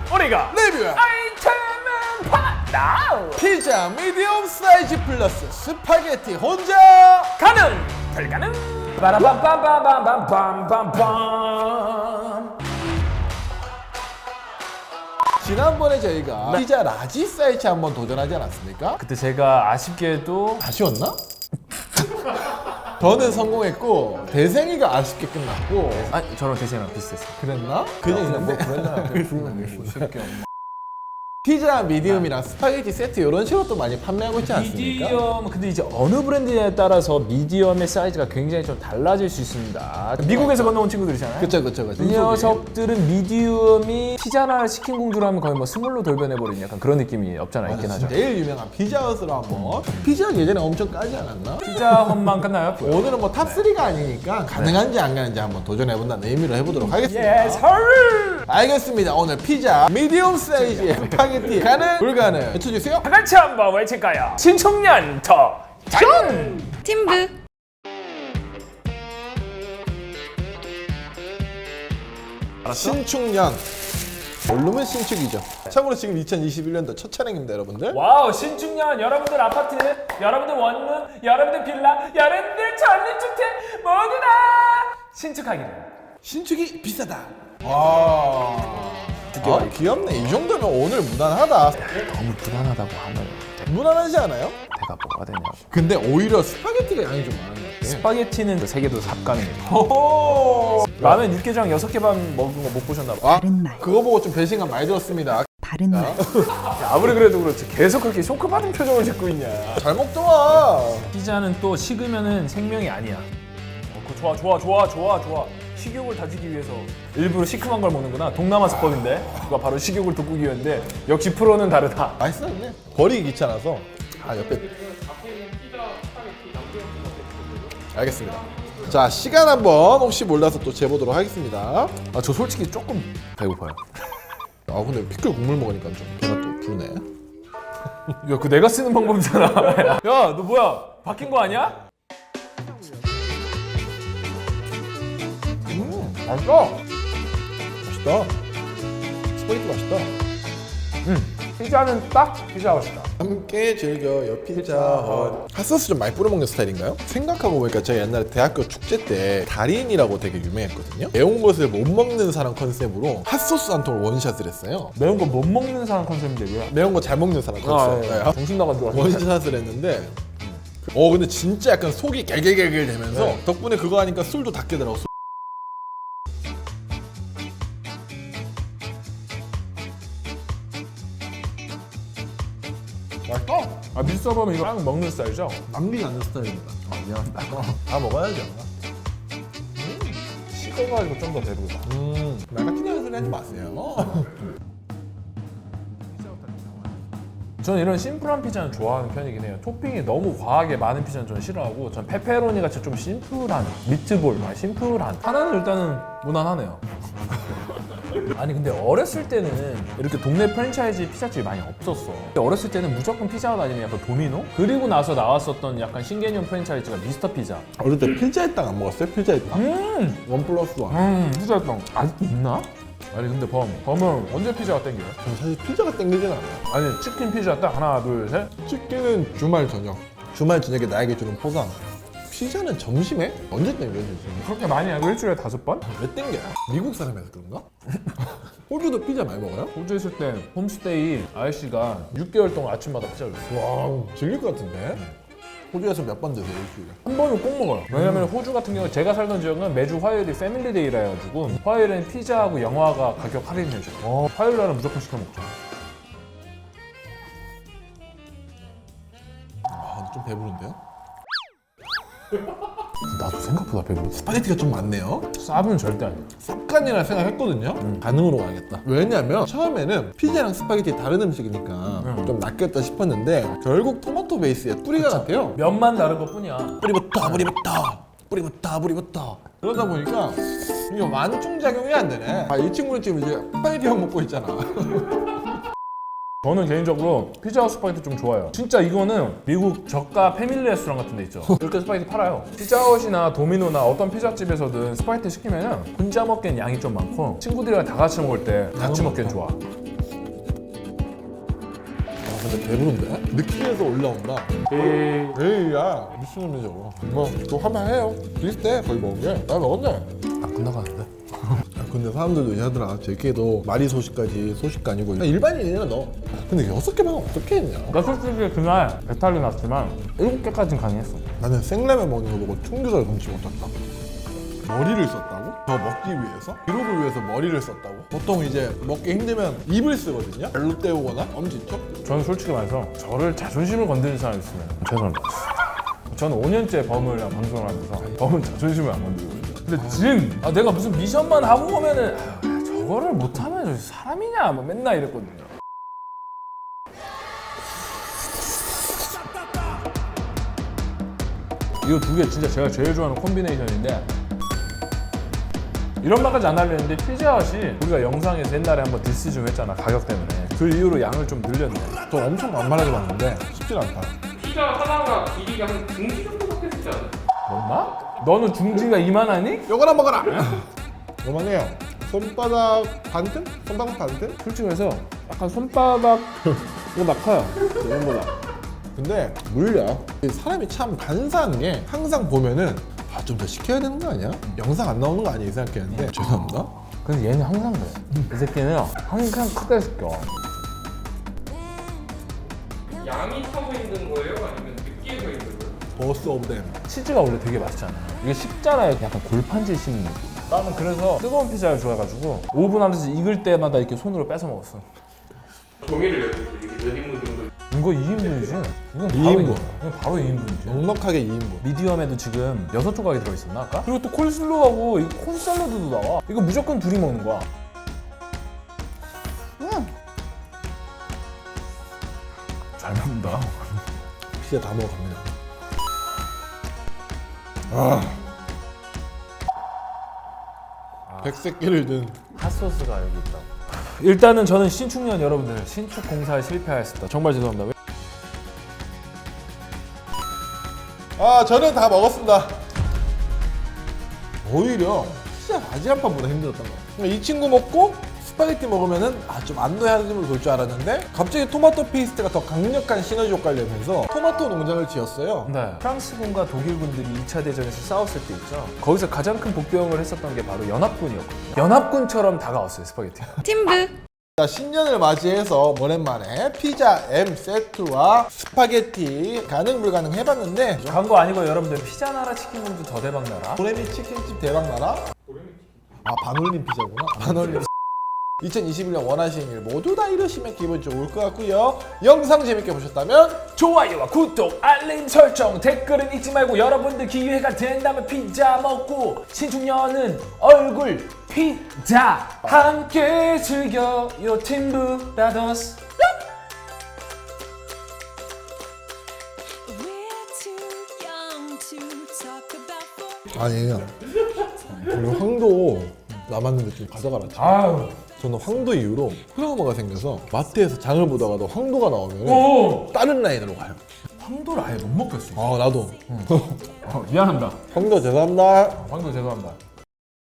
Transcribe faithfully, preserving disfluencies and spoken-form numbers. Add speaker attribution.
Speaker 1: 우리가
Speaker 2: 리뷰
Speaker 1: 아이템은 받다.
Speaker 2: 피자 미디엄 사이즈 플러스 스파게티 혼자
Speaker 1: 가능 불가능. 빠라밤빰빰빰빰빰빰빰.
Speaker 2: 지난번에 저희가 피자 라지 사이즈 한번 도전하지 않았습니까?
Speaker 1: 그때 제가 아쉽게도
Speaker 2: 아쉬웠나? 저는 성공했고 대생이가 아쉽게 끝났고.
Speaker 1: 아 저랑 대세랑 비슷했어요.
Speaker 2: 그랬나? 그냥 있는데
Speaker 1: 뭐 그랬나?
Speaker 2: 피자 미디움이랑 스파게티 세트 이런 식으로 또 많이 판매하고 있지 않습니까?
Speaker 1: 미디엄 근데 이제 어느 브랜드에 따라서 미디엄의 사이즈가 굉장히 좀 달라질 수 있습니다. 미국에서 건너온 친구들이잖아요.
Speaker 2: 그쵸 그쵸 그쵸.
Speaker 1: 이 녀석들은 미디엄이 피자나 치킨 공주라면 거의 뭐 스몰로 돌변해버린 약간 그런 느낌이 없잖아 있긴 하죠.
Speaker 2: 제일 유명한 피자헛으로 한번. 피자 예전에 엄청 까지 않았나?
Speaker 1: 피자 헛만 끝나요?
Speaker 2: 오늘은 뭐 탑쓰리가 아니니까 가능한지 안 가능한지 한번 도전해본다는 의미로 해보도록 하겠습니다.
Speaker 1: 예, 설!
Speaker 2: 알겠습니다. 오늘 피자 미디움 사이즈의 스파게티 가능 불가능 외쳐주세요.
Speaker 1: 다 같이 한번 외칠까요? 신청년 더 짠!
Speaker 3: 팀브
Speaker 2: 신축년 모르면 신축이죠. 참고로 지금 이천이십일 년도 첫 촬영입니다 여러분들.
Speaker 1: 와우 신축년 여러분들 아파트, 여러분들 원룸, 여러분들 빌라, 여러분들 전립주택 모두 다 신축하기를.
Speaker 2: 신축이 비싸다. 와 아, 귀엽네. 이 정도면 오늘 무난하다.
Speaker 1: 너무 불안하다고 하면
Speaker 2: 무난하지 않아요?
Speaker 1: 내가 뭐가 되냐고.
Speaker 2: 근데 오히려 스파게티가 양이 좀 많은 것 같아.
Speaker 1: 스파게티는 세 개도 삽가능해요.
Speaker 2: 호호.
Speaker 1: 라면 육개장 여섯 개만 먹은 거 못 보셨나 봐.
Speaker 2: 아, 그거 보고 좀 배신감 많이 들었습니다.
Speaker 3: 바른 말
Speaker 1: 아무리 그래도 그렇지 계속 그렇게 쇼크받은 표정을 짓고 있냐.
Speaker 2: 잘 먹더라.
Speaker 1: 피자는 또 식으면은 생명이 아니야. 어, 그거 좋아 좋아 좋아 좋아 좋아. 식욕을 다지기 위해서 일부러 시큼한 걸 먹는구나. 동남아 수법인데 그거 바로 식욕을 돋구기 위한데 역시 프로는 다르다.
Speaker 2: 맛있었네. 버리기 귀찮아서. 아 옆에. 알겠습니다. 자 시간 한번 혹시 몰라서 또 재보도록 하겠습니다.
Speaker 1: 아 저 솔직히 조금 배고파요.
Speaker 2: 아 근데 피클 국물 먹으니까 좀 배가 또 부르네.
Speaker 1: 야 그거 내가 쓰는 방법이잖아. 야 너 뭐야 바뀐 거 아니야?
Speaker 2: 음 맛있다. 맛있다. 스파게티 맛있다.
Speaker 1: 음 피자는 딱 피자 맛이다.
Speaker 2: 함께 즐겨요 피자헛. 핫소스 좀 많이 뿌려 먹는 스타일인가요? 생각하고 보니까 제가 옛날에 대학교 축제 때 달인이라고 되게 유명했거든요. 매운 것을 못 먹는 사람 컨셉으로 핫소스 한 통을 원샷을 했어요.
Speaker 1: 매운 거 못 먹는 사람 컨셉인데 왜?
Speaker 2: 매운 거 잘 먹는 사람
Speaker 1: 아,
Speaker 2: 컨셉.
Speaker 1: 예.
Speaker 2: 네.
Speaker 1: 정신 나간 줄 알았어.
Speaker 2: 원샷을 했는데 어 근데 진짜 약간 속이 개개개개 되면서
Speaker 1: 네.
Speaker 2: 덕분에 그거 하니까 술도 다 깨더라고. 술. 맛있다.
Speaker 1: 아 밀서버면 이거 빵 먹는 스타일이죠?
Speaker 2: 남기지 않는 스타일입니다.
Speaker 1: 아 미안합니다.
Speaker 2: 다 먹어야지.
Speaker 1: 식어가지고 좀 더 배부르다.
Speaker 2: 음, 말 같은 소리 하지 마세요.
Speaker 1: 저는 이런 심플한 피자는 좋아하는 편이긴 해요. 토핑이 너무 과하게 많은 피자는 저는 싫어하고 전 페페로니 같이 좀 심플한 미트볼, 아, 심플한 하나는 일단은 무난하네요. 아니 근데 어렸을 때는 이렇게 동네 프랜차이즈 피자집이 많이 없었어. 근데 어렸을 때는 무조건 피자헛 아니면 약간 도미노? 그리고 나서 나왔었던 약간 신개념 프랜차이즈가 미스터 피자.
Speaker 2: 어릴 때 필자의 땅 안 먹었어요? 필자의 땅?
Speaker 1: 음!
Speaker 2: 원 플러스 원.
Speaker 1: 음, 피자였던 아직도 있나? 아니 근데 범, 범은 언제 피자가 땡겨요?
Speaker 2: 저는 사실 피자가 땡기진 않아요.
Speaker 1: 아니 치킨 피자 딱 하나 둘 셋?
Speaker 2: 치킨은 주말 저녁. 주말 저녁에 나에게 주는 포상. 피자는 점심에? 언제 땡겨요? 지금?
Speaker 1: 그렇게 많이 하고 일주일에 다섯 번?
Speaker 2: 왜 땡겨요? 미국 사람이라서 그런가? 호주도 피자 많이 먹어요?
Speaker 1: 호주에 있을 때 홈스테이 아저씨가 육 개월 동안 아침마다 피자를 줬어.
Speaker 2: 와 질릴 것 같은데? 호주에서 몇 번 드세요 일주일에?
Speaker 1: 한 번은 꼭 먹어요. 왜냐면 호주 같은 경우 제가 살던 지역은 매주 화요일이 패밀리데이라 해가지고 화요일엔 피자하고 영화가 가격 할인해줘. 어, 화요일 날은 무조건 시켜 먹자.
Speaker 2: 아, 좀 배부른데요?
Speaker 1: 나도 생각보다 배부르다.
Speaker 2: 스파게티가 좀 많네요.
Speaker 1: 쌉은 절대 아니야.
Speaker 2: 쌉간이라 생각했거든요.
Speaker 1: 음.
Speaker 2: 가능으로 가야겠다. 왜냐면 처음에는 피자랑 스파게티 다른 음식이니까
Speaker 1: 음.
Speaker 2: 좀 낫겠다 싶었는데 결국 토마토 베이스에 뿌리가 같아요.
Speaker 1: 면만 다른 것 뿐이야.
Speaker 2: 뿌리부터 뿌리부터 뿌리부터 뿌리부터 그러다 보니까 이게 완충작용이 안 되네. 아, 이 친구는 지금 이제 스파게티만 먹고 있잖아.
Speaker 1: 저는 개인적으로 피자헛 스파게티 좀 좋아요. 진짜 이거는 미국 저가 패밀리 레스토랑 같은 데 있죠. 이렇게 스파게티 팔아요. 피자헛이나 도미노나 어떤 피자집에서든 스파게티 시키면 혼자 먹기엔 양이 좀 많고 친구들이랑 다 같이 먹을 때 같이 먹기엔 좋아.
Speaker 2: 근데 배부른데? 느끼해서 올라온다.
Speaker 1: 에이.
Speaker 2: 에이야 무슨 소리죠 저거. 뭐또 한번 해요. 비슷해 거의 먹은 게. 나 먹었네.
Speaker 1: 안 끝나가는데?
Speaker 2: 아, 근데 사람들도 얘기하더라. 제게도 말이 소식까지 소식가 아니고 그냥 일반인이야 너. 근데 여섯 개만 어떻게 했냐?
Speaker 1: 나 솔직히 그날 배탈이 났지만 일곱 개까지는 가능했어.
Speaker 2: 나는 생라면 먹는 거 보고 충격을 금치 못했다. 머리를 썼다고? 저 먹기 위해서? 기록을 위해서 머리를 썼다고? 보통 이제 먹기 힘들면 입을 쓰거든요? 별로 때우거나 엄지척?
Speaker 1: 저는 솔직히 말해서 저를 자존심을 건드리는 사람이 있으면 죄송합니다. 저는 오 년째 범을 방송을 하면서 범은 자존심을 안 건드리고 있어요. 근데 진! 아, 내가 무슨 미션만 하고 오면은 아, 저거를 못하면 저 사람이냐 뭐 맨날 이랬거든요. 이거 두 개 진짜 제가 제일 좋아하는 콤비네이션인데 이런 말까지 안 하려는데 피자헛이 우리가 영상에서 옛날에 한번 디스 좀 했잖아 가격 때문에. 그 이후로 양을 좀 늘렸네.
Speaker 2: 저 엄청 만만하게 봤는데 쉽진 않다.
Speaker 3: 피자 하나가 길이가 한 중지 정도밖에 되지 않아요?
Speaker 1: 뭔가? 너는 중지가 이만하니?
Speaker 2: 요거나 먹어라! 요만해요. 손바닥 반틈? 손바닥 반틈?
Speaker 1: 솔직히 말해서 약간 손바닥 이거 막 커요. 이거보다.
Speaker 2: 근데 물려. 사람이 참 간사한 게 항상 보면은 아, 좀 더 시켜야 되는 거 아니야? 영상 안 나오는 거 아니야? 이 생각했는데 죄송합니다.
Speaker 1: 근데 얘는 항상 그래. 이 새끼는 항상 크게 시켜.
Speaker 3: 양이 타고 있는 거예요? 아니면 느끼해서 있는 거예요?
Speaker 2: 버스 오브 댐.
Speaker 1: 치즈가 원래 되게 맛있잖아. 이게 식잖아요. 약간 골판지 씹는 느낌. 나는 그래서 뜨거운 피자를 좋아해가지고 오븐 안에서 익을 때마다 이렇게 손으로 뺏어 먹었어.
Speaker 3: 종이를 내주세요. 이게 몇 인분 정도?
Speaker 1: 이거 이 인분이지? 이건
Speaker 2: 이
Speaker 1: 바로
Speaker 2: 인분.
Speaker 1: 이건 바로 이 인분이지.
Speaker 2: 넉넉하게 이 인분.
Speaker 1: 미디엄에도 지금 여섯 조각이 들어있었나 아까? 그리고 또 콜슬로우하고 이 콘샐러드도 나와. 이거 무조건 둘이 먹는 거야. 음. 잘 먹는다.
Speaker 2: 피자 다 먹어갑니다. 아. 백색 끼를 든
Speaker 1: 핫소스가 여기 있다고. 일단은 저는 신축년 여러분들 신축 공사에 실패하였습니다. 정말 죄송합니다.
Speaker 2: 아 저는 다 먹었습니다. 오히려 피자 바지 한 판보다 힘들었던 거 같아요. 이 친구 먹고 스파게티 먹으면은 아 좀 안도해짐을 돌 줄 알았는데 갑자기 토마토 페이스트가 더 강력한 시너지 효과를 내면서 토마토 농장을 지었어요.
Speaker 1: 네. 프랑스군과 독일군들이 이 차 대전에서 싸웠을 때 있죠. 거기서 가장 큰 복병을 했었던 게 바로 연합군이었거든요. 연합군처럼 다가왔어요 스파게티가.
Speaker 4: 팀브
Speaker 2: 자, 신년을 맞이해서 오랜만에 피자 M 세트와 스파게티 가능 불가능 해봤는데
Speaker 1: 광고 아니고 여러분들 피자 나라 치킨 공주 더 대박 나라.
Speaker 2: 도레미 치킨집 대박나라? 아 반올림 피자구나. 반올림 이천이십일 년 원하시는 일 모두 다 이루시면 기분 좋을 것 같고요. 영상 재밌게 보셨다면
Speaker 1: 좋아요와 구독, 알림 설정, 댓글은 잊지 말고 여러분들 기회가 된다면 피자 먹고 신축년은 얼굴 피자 함께 즐겨요 팀브 브라더스.
Speaker 4: We're too young to talk about
Speaker 2: 아니에요. 우리 황도 남았는데 좀 가져가라.
Speaker 1: 아유.
Speaker 2: 저는 황도 이후로 트라우마가 생겨서 마트에서 장을 보다가도 황도가 나오면
Speaker 1: 오.
Speaker 2: 다른 라인으로 가요.
Speaker 1: 황도를 아예 못 먹겠어.
Speaker 2: 아 나도.
Speaker 1: 어, 미안합니다.
Speaker 2: 황도 죄송합니다.
Speaker 1: 황도 죄송합니다.